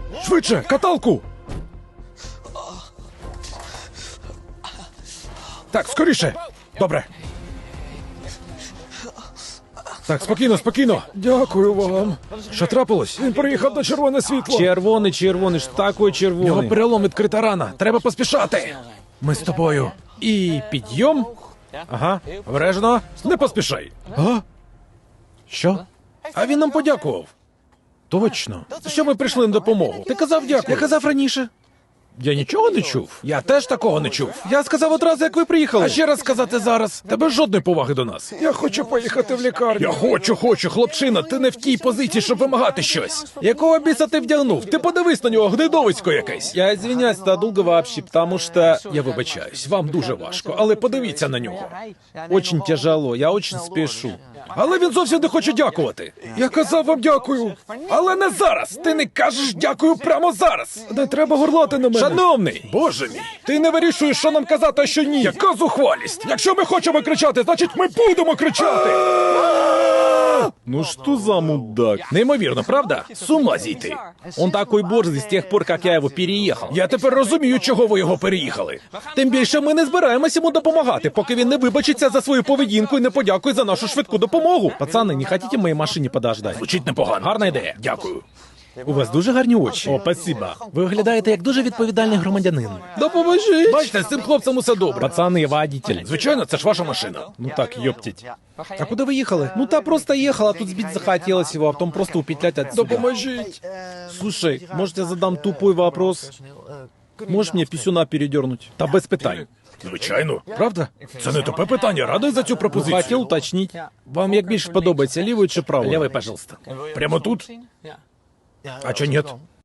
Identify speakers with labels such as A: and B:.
A: Швидше, каталку! Так, скоріше! Добре. Так, спокійно, спокійно. Дякую вам. Що трапилось? Він приїхав на червоне світло.
B: Червоний, що такое
A: У нього
B: червоний?
A: перелом, відкрита рана. Треба поспішати. Ми з тобою.
B: І підйом? Ага, обережно.
A: Не поспішай. А?
B: Що?
A: А він нам подякував.
B: Точно.
A: Що ми прийшли на допомогу? Ти казав дякую.
B: Я казав раніше.
A: Я нічого не чув. Я теж такого не чув.
B: Я сказав одразу, як ви приїхали.
A: А ще раз сказати зараз. Тебе жодної поваги до нас. Я хочу поїхати в лікарню. Я хочу, хлопчина. Ти не в тій позиції, щоб вимагати щось. Якого біса ти вдягнув? Ти подивись на нього, гнидовисько якесь.
B: Я извиняюсь, это долго вообще, потому что...
A: Я вибачаюсь, вам дуже важко, але подивіться на нього.
B: Очень тяжело, я очень спешу.
A: Але він зовсім не хоче дякувати. Я казав вам дякую. Але не зараз. Ти не кажеш дякую прямо зараз. Не треба горлати на мене.
B: Шановний!
A: Боже мій, ти не вирішуєш, що нам казати, а що ні. Яка зухвалість? Якщо ми хочемо кричати, значить ми будемо кричати.
B: Ну что за мудак?
A: Неймовірно, правда? З ума зійти.
B: Он такой борзый с тех пор, как я его переехал.
A: Я тепер розумію, чого ви його переїхали.
B: Тим більше ми не збираємось йому допомагати, поки він не вибачиться за свою поведінку і не подякує за нашу швидку допомогу. Пацани, не хотите в моїй машині подождати?
A: Звучить непогано.
B: Гарна ідея.
A: Дякую.
B: У вас дуже гарні очі. О, спасибо. Ви виглядаєте як дуже відповідальний громадянин. Допоможіть.
A: Бачите, з цим хлопцем усе добре.
B: Пацани, водитель.
A: Звичайно, це ж ваша машина.
B: Ну так, ёптить. А куди ви їхали? Ну та просто їхала, тут збить захотелось его, а потом просто упетлять отсюда.
A: Допоможіть.
B: Слушай, может я задам тупой вопрос? Можешь мне писюна передернуть? Та без питань.
A: Звичайно. Правда? Це не тупе питання. Радий за цю пропозицію.
B: Хотів уточнить. Вам як більше подобається, лівою чи правою?
A: Лівий, пожалуйста. Прямо тут? А чо ні?